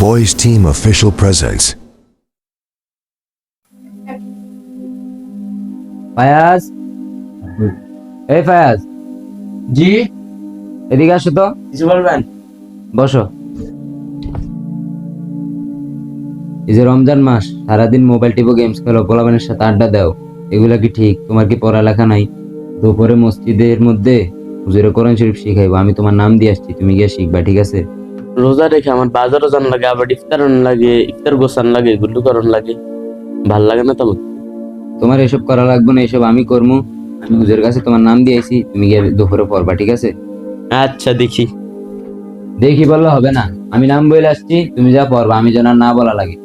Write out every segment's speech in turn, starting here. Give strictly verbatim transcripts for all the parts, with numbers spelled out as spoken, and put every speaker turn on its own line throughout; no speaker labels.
Voice Team Official Presence.
Fayaz, এই ফায়াজ,
জি,
এদিকে আসো তো।
কিছু বলবেন?
বসো। এই যে রমজান মাস, সারাদিন মোবাইল টিপো, গেমস খেলো, পোলাপানের সাথে আড্ডা দাও, এগুলা কি ঠিক? তোমার কি পড়ালেখা নাই? দুপুরে মসজিদের মধ্যে হুজুরে কোরআন শরীফ শিখাইবো, আমি তোমার নাম দিয়ে আসছি, তুমি গিয়ে শিখবা, ঠিক আছে?
রোজা রেখে আমার বাজারও জান লাগে, আবার ইফতারন লাগে, ইফতার গোসান লাগে, গুল্লু করন লাগে, ভাল লাগে না তোমার?
তোমার এসব করা লাগবে না, এসব আমি করবো। আমি হুজুরের কাছে তোমার নাম দিয়ে আইছি, তুমি গিয়ে দুপুরে পড়বা, ঠিক আছে?
আচ্ছা দেখি।
দেখি বললে হবে না, আমি নাম বলে আসছি, তুমি যা পড়বা, আমি যেন আর না বলা লাগে।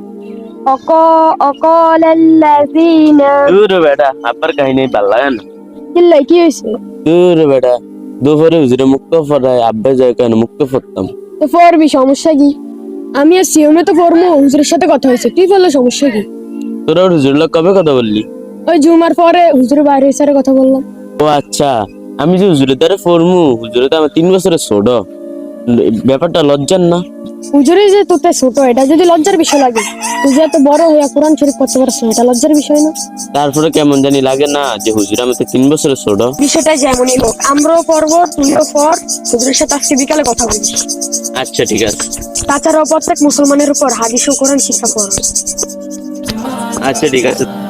وقال الذين
দূর বেটা, আব্বার কাহিনী ভাল লাগে না।
কিল্লাই কি হয়েছে?
দূর বেটা, দুপুরে হুজুরে মুক্ত ফরায়, আব্বা যায় কেন মুক্ত ফরতাম।
তো পড়বি, সমস্যা কি? আমি আর সিওমে তো পড়বো, হুজুরের সাথে কথা হয়েছে, তুই বললে সমস্যা কি?
তোরা ওর হুজুর লোক কবে কথা বললি?
ওই জুমার পরে হুজুরের বাইরে স্যারে কথা বললাম।
ও আচ্ছা, আমি যে হুজুরের দ্বারা ফরমু, হুজুরে তো আমার তিন বছরের ছোট, ব্যাপারটা লজ্জার না?
হুজুরে যে তোতে ছোট, এটা যদি লজ্জার বিষয় লাগে, তুই যে এত বড় হইয়া কোরআন শরীফ পড়তে পারছ, এটা লজ্জার বিষয় না?
তারপরে কেমন জানি লাগে না যে হুজুর আমার তিন বছরের ছোট?
বিষয়টা যেমনই হোক, আমরাও পড়বো, তুইও পড়, হুজুরের সাথে আজকে বিকালে কথা বলিস।
আচ্ছা ঠিক আছে।
তাছাড়াও প্রত্যেক মুসলমানের উপর হাদিস ও কোরআন শিক্ষা পড়।
আচ্ছা ঠিক আছে।